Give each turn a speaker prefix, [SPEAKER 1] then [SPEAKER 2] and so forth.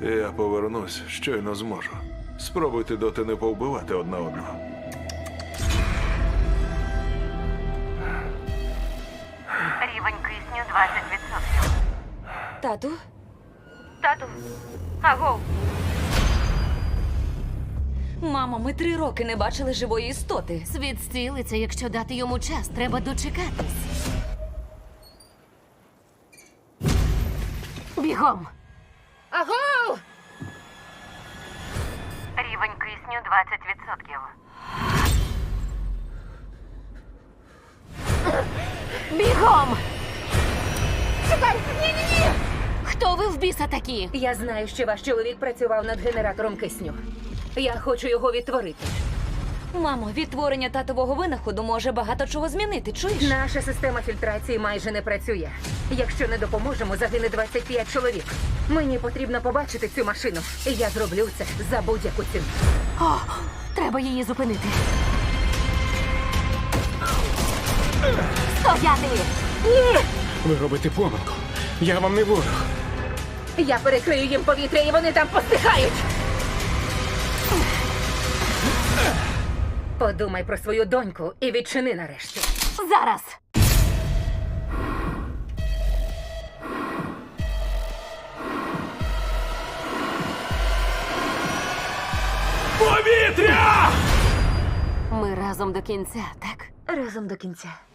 [SPEAKER 1] Я повернусь, щойно зможу. Спробуйте доти не повбивати одна одного.
[SPEAKER 2] Рівень кисню 20%.
[SPEAKER 3] Тату?
[SPEAKER 2] Тату, агов.
[SPEAKER 3] Мамо, ми 3 роки не бачили живої істоти.
[SPEAKER 4] Світ зцілиться, якщо дати йому час. Треба дочекатись. Бігом!
[SPEAKER 3] Агов!
[SPEAKER 2] Рівень кисню 20%.
[SPEAKER 4] Бігом! Чекай! Ні-ні-ні! Хто ви в біса такі?
[SPEAKER 3] Я знаю, що ваш чоловік працював над генератором кисню. Я хочу його відтворити. Мамо, відтворення татового винаходу може багато чого змінити, чуєш?
[SPEAKER 5] Наша система фільтрації майже не працює. Якщо не допоможемо, загине 25 чоловік. Мені потрібно побачити цю машину. І я зроблю це за будь-яку ціну.
[SPEAKER 4] О, треба її зупинити. Стояти!
[SPEAKER 5] Ні!
[SPEAKER 6] Ви робите помилку. Я вам не ворог.
[SPEAKER 5] Я перекрию їм повітря, і вони там постихають. Подумай про свою доньку і відчини нарешті.
[SPEAKER 4] Зараз!
[SPEAKER 6] Повітря!
[SPEAKER 4] Ми разом до кінця, так?
[SPEAKER 5] Разом до кінця.